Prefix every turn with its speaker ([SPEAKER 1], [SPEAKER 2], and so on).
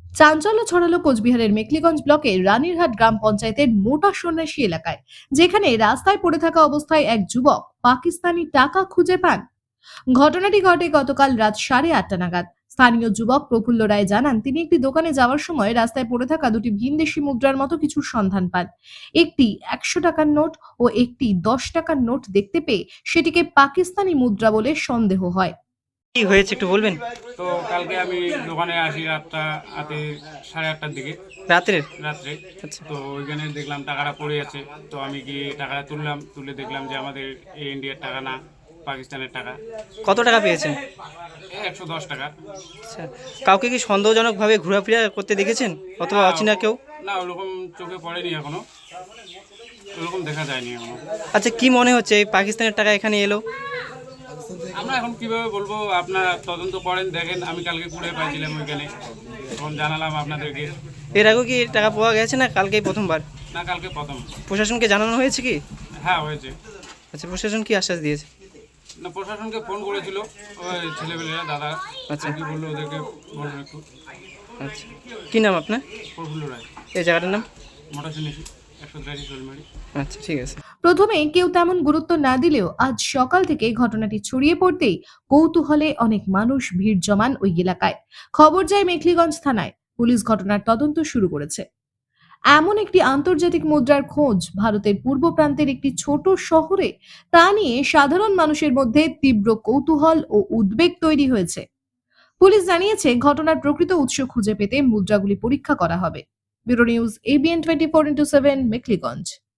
[SPEAKER 1] চাঞ্চল্য ছড়ালো কোচবিহারের মেখলিগঞ্জ ব্লকের রানীরহাট গ্রাম পঞ্চায়েতের মোটা সন্ন্যাসী এলাকায়, যেখানে রাস্তায় পড়ে থাকা অবস্থায় এক যুবক পাকিস্তানি টাকা খুঁজে পান। ঘটনাটি ঘটে গতকাল রাত 8:30 নাগাদ। স্থানীয় যুবক প্রফুল্ল রায় জানান, তিনি একটি দোকানে যাওয়ার সময় রাস্তায় পড়ে থাকা দুটি ভিনদেশি মুদ্রার মতো কিছুর সন্ধান পান। একটি 100 টাকার নোট ও একটি 10 টাকার নোট দেখতে পেয়ে সেটিকে পাকিস্তানি মুদ্রা বলে সন্দেহ হয়।
[SPEAKER 2] কি হয়েছে একটু বলবেন?
[SPEAKER 3] তো কালকে আমি দোকানে আসি রাতে 8:30টার দিকে
[SPEAKER 2] রাত্রের?
[SPEAKER 3] রাত্রে।
[SPEAKER 2] আচ্ছা।
[SPEAKER 3] তো ওইখানে দেখলাম টাকাটা পড়ে আছে। তো আমি গিয়ে টাকাটা তুলে দেখলাম যে আমাদের ইন্ডিয়ার টাকা না, পাকিস্তানের টাকা।
[SPEAKER 2] কত টাকা পেয়েছেন?
[SPEAKER 3] 110 টাকা।
[SPEAKER 2] আচ্ছা, কাউকে কি সন্দেহজনকভাবে ঘোরাফেরা করতে দেখেছেন অথবা
[SPEAKER 3] না,
[SPEAKER 2] অচেনা কেউ?
[SPEAKER 3] না ওরকম চোখে পড়েনি এখনো, ওরকম দেখা যায়নি এখনো।
[SPEAKER 2] আচ্ছা, কি মনে হচ্ছে এই পাকিস্তানের টাকা এখানে এলো?
[SPEAKER 3] আমরা এখন কিভাবে বলবো, আপনারা তদন্ত করেন, দেখেন। আমি কালকে কুড়ে পাইছিলাম ওইখানে, তখন জানালাম আপনাদেরকে।
[SPEAKER 2] এর আগেও কি টাকা পাওয়া গেছে না কালকেই প্রথমবার?
[SPEAKER 3] না, কালকে প্রথম।
[SPEAKER 2] প্রশাসনকে জানানো হয়েছে কি?
[SPEAKER 3] হ্যাঁ, হয়েছে।
[SPEAKER 2] আচ্ছা, প্রশাসন কি আশ্বাস দিয়েছে?
[SPEAKER 3] না, প্রশাসনকে ফোন করেছিল ওই ছেলেপেলেরা, দাদা।
[SPEAKER 2] আচ্ছা।
[SPEAKER 3] কি বললো ওদেরকে বলবো একটু।
[SPEAKER 2] আচ্ছা, কি নাম আপনার?
[SPEAKER 3] প্রফুল্ল রায়।
[SPEAKER 2] এই জায়গাটার নাম?
[SPEAKER 3] মোটর শুনেছি 183 শোলমারি।
[SPEAKER 2] আচ্ছা, ঠিক আছে।
[SPEAKER 1] প্রথমে কেউ তেমন গুরুত্ব না দিলেও আজ সকাল থেকে ঘটনাটি ছড়িয়ে পড়তেই কৌতূহলে অনেক মানুষ ভিড় জমান ওই এলাকায়। খবর যায় মেখলিগঞ্জ থানায়। পুলিশ ঘটনার তদন্ত শুরু করেছে। এমন একটি আন্তর্জাতিক মুদ্রার খোঁজ ভারতের পূর্ব প্রান্তের একটি ছোট শহরে, তা নিয়ে সাধারণ মানুষের মধ্যে তীব্র কৌতূহল ও উদ্বেগ তৈরি হয়েছে। পুলিশ জানিয়েছে, ঘটনার প্রকৃত উৎস খুঁজে পেতে মুদ্রাগুলি পরীক্ষা করা হবে। Bureau news, ABN 24x7, Mekhliganj.